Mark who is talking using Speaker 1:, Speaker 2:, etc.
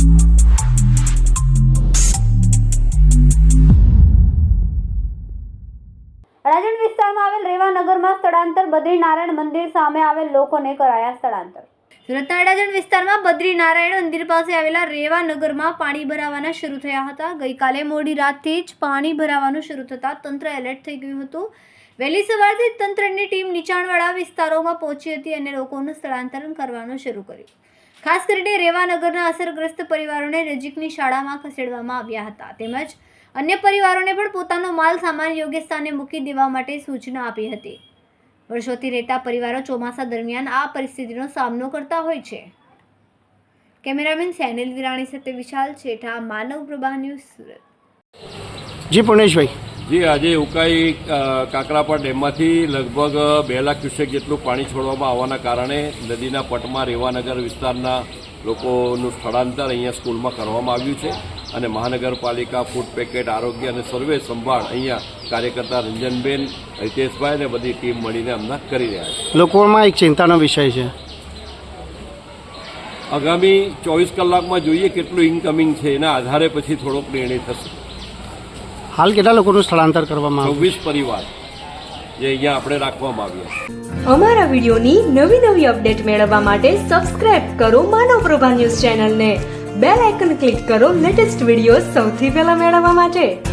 Speaker 1: અડાજણ વિસ્તારમાં આવેલ રેવાનગરમાં સ્થળાંતર બદ્રીનારાયણ મંદિર સામે આવેલ લોકોને કરાયા સ્થળાંતર। સુરતના અડાજણ વિસ્તારમાં બદ્રીનારાયણ મંદિર પાસે આવેલા રેવાનગરમાં પાણી ભરાવાના શરૂ થયા હતા। ગઈકાલે મોડી રાતથી જ પાણી ભરાવાનું શરૂ થતાં તંત્ર એલર્ટ થઈ ગયું હતું। વહેલી સવારથી જ તંત્રની ટીમ નીચાણવાળા વિસ્તારોમાં પહોંચી હતી અને લોકોનું સ્થળાંતર કરવાનું શરૂ કર્યું। ખાસ કરીને રેવાનગરના અસરગ્રસ્ત પરિવારોને નજીકની શાળામાં ખસેડવામાં આવ્યા હતા તેમજ અન્ય પરિવારોને પણ પોતાનો માલ સામાન યોગ્ય સ્થાને મૂકી દેવા માટે સૂચના આપી હતી। વર્ષોથી રહેતા પરિવારો ચોમાસા દરમિયાન આ પરિસ્થિતિનો સામનો કરતા હોય છે। કેમેરામેન સેનિલ વિરાણી સાથે વિશાલ છેઠા, માનવ પ્રભા ન્યૂઝ, સુરત।
Speaker 2: જી પુણેશભાઈ,
Speaker 3: જી આજે ઉકાઈ કાકરાપા ડેમમાંથી લગભગ 2 લાખ ક્યુસેક જેટલું પાણી છોડવામાં આવવાના કારણે નદીના પટમાં રેવાનગર વિસ્તારના લોકોનું સ્થળાંતર અહીંયા સ્કૂલમાં કરવામાં આવ્યું છે અને મહાનગરપાલિકા, ફૂડ પેકેટ, આરોગ્ય અને સર્વે સંભાળ અહીંયા કાર્યકર્તા રંજનબેન, હિતેશભાઈ અને બધી ટીમ મળીને હમણાં કરી રહ્યા છે।
Speaker 2: લોકોમાં એક ચિંતાનો વિષય છે,
Speaker 3: આગામી 24 કલાકમાં જોઈએ કેટલું ઇનકમિંગ છે એના આધારે પછી થોડોક નિર્ણય થશે।
Speaker 2: હાલ કેટલા લોકોનું સ્થળાંતર કરવામાં આવ્યું?
Speaker 3: 26 પરિવાર જે અહીંયા આપણે રાખવામાં આવ્યા।
Speaker 4: અમારા વિડીયોની નવી અપડેટ મેળવવા માટે સબસ્ક્રાઇબ કરો માનવ પ્રભા ન્યૂઝ ચેનલને, બેલ આઇકન ક્લિક કરો લેટેસ્ટ વિડીયો સૌથી પહેલા મેળવવા માટે।